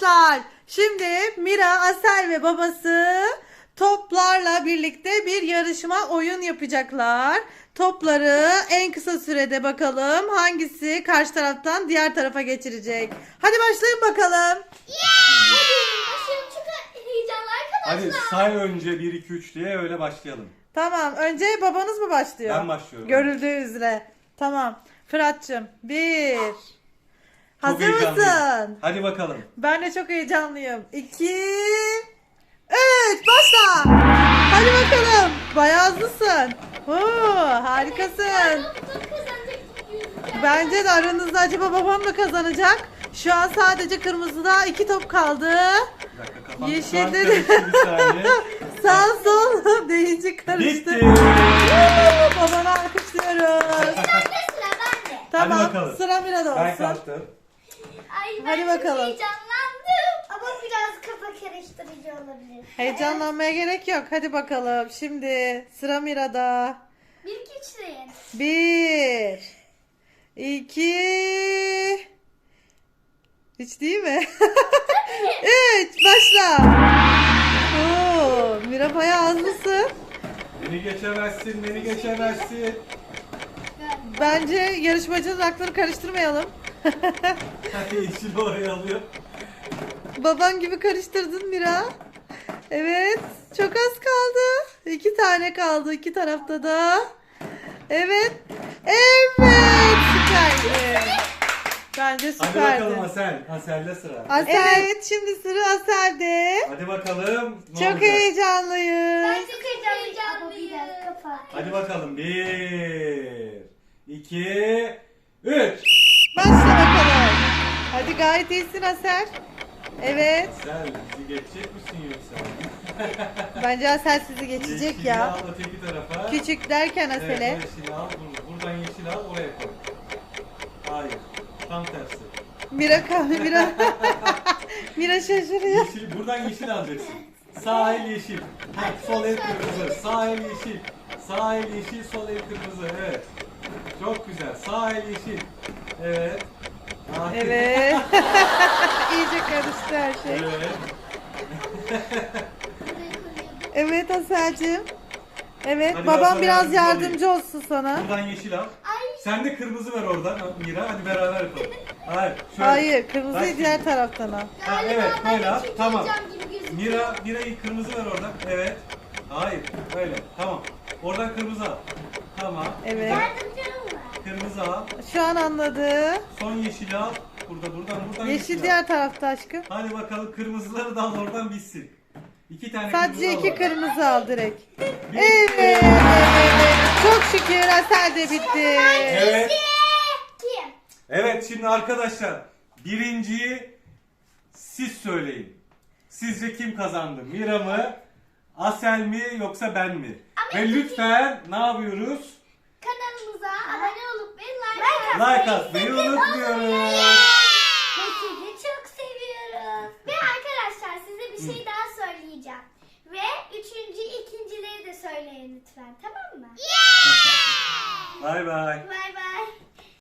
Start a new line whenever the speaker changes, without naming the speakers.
arkadaşlar. Şimdi Mira, Asel ve babası toplarla birlikte bir yarışma oyun yapacaklar. Topları en kısa sürede bakalım hangisi karşı taraftan diğer tarafa geçirecek. Hadi başlayın bakalım.
Başım çok heyecanlı
Hadi
arkadaşlar.
say önce 1 2 3 diye öyle başlayalım.
Tamam, önce babanız mı başlıyor?
Ben başlıyorum.
Görüldüğü üzere. Tamam. Fırat'cığım 1.
Çok
Hazır
heyecanlıyım.
mısın?
Hadi bakalım.
Ben de çok heyecanlıyım. 2 3 başla. Hadi bakalım. Bayağı hızlısın. Oo, harikasın.
Top kazanacak gibi gözüküyor.
Bence de aranızda acaba babam mı kazanacak? Şu an sadece kırmızıda 2 top kaldı.
Bir dakika kafam
Yeşilde
şu an
de-
karıştı bir saniye.
Sağ sol deyince karıştı.
Bitti.
Babana alkışlıyoruz.
Bende sıra bende.
Tamam,
bakalım.
sıra Mira'da
Ben
olsun.
kalktım.
Ay ben
Hadi
çok
bakalım.
heyecanlandım. Ama biraz kafa karıştırıcı olabilir.
Heyecanlanmaya gerek yok. Hadi bakalım. Şimdi sıra Mira'da.
1 2 3 deyin.
1 2 3 değil mi? 3 başla. Oo, Mira bayağı hızlısın.
Beni geçemezsin, beni geçemezsin.
Bence yarışmacının aklını karıştırmayalım.
Yeşil oraya alıyor.
Baban gibi karıştırdın Mira. Evet. Çok az kaldı. 2 tane kaldı. 2 tarafta da. Evet. Evet. Süperdi. Bence
Hadi
süperdi.
bakalım Asel. Asel'de sıra.
Evet. Şimdi sıra Asel'de.
Hadi bakalım. Ne
Çok
olacak?
heyecanlıyız.
Ben çok heyecanlıyım. Ama biraz kafa.
Hadi bakalım. 1 2 3
Başla bakalım. Hadi gayet iyisin Asel. Evet.
Asel bizi geçecek misin yoksa?
Bence Asel sizi geçecek
Yeşili
ya.
al öteki tarafa.
Küçük derken
Evet,
Asel'e.
yeşili al. Buradan yeşil al oraya koy. Hayır. Tam tersi.
Mira Mira. Mira şaşırıyor.
Yeşil, buradan yeşil alacaksın. Sağ el yeşil. Ha, sol el kırmızı. Sağ el yeşil. Sağ el yeşil, sol el kırmızı. Evet. Çok güzel. Sağ el yeşil. Evet. Aferin.
Evet. İyice karıştı her şey.
Evet.
Evet Asel'cim. Evet,
Hadi
babam
ben
biraz
sana
yardımcı olsun sana.
Buradan yeşil al.
Ay.
Sen de kırmızı ver oradan Mira. Hadi beraber yapalım. Hayır. Şöyle.
Hayır,
Bak
kırmızıyı
şimdi.
diğer taraftan al.
Ha,
Galiba
evet,
ben
böyle
de
al.
çok
Tamam.
heyecan gibi gözüküyor.
Mira'yı kırmızı ver oradan. Evet. Hayır. Böyle. Tamam. Oradan kırmızı al. Tamam.
Evet.
Yardımcım var.
Kırmızı al.
Şu an anladı.
Son yeşili al. Buradan
Yeşil
al.
diğer tarafta aşkım.
Hadi bakalım kırmızıları da al oradan bitsin. 2 tane
Sadece
kırmızı al
2
oradan.
kırmızı al direkt.
Bitti.
Evet. Çok şükür Asel de bitti.
Evet.
Kim?
Evet şimdi arkadaşlar birinciyi siz söyleyin. Sizce kim kazandı? Mira mı? Asel mi yoksa ben mi?
Ama
Ve lütfen ne yapıyoruz?
Kanalımıza abone olup ve like
Like atmayı unutmuyoruz.
Ve sizi çok seviyoruz. Ve arkadaşlar size bir şey daha söyleyeceğim. Ve ikincileri de söyleyin lütfen, tamam mı?
Bay bay.
Bay bay.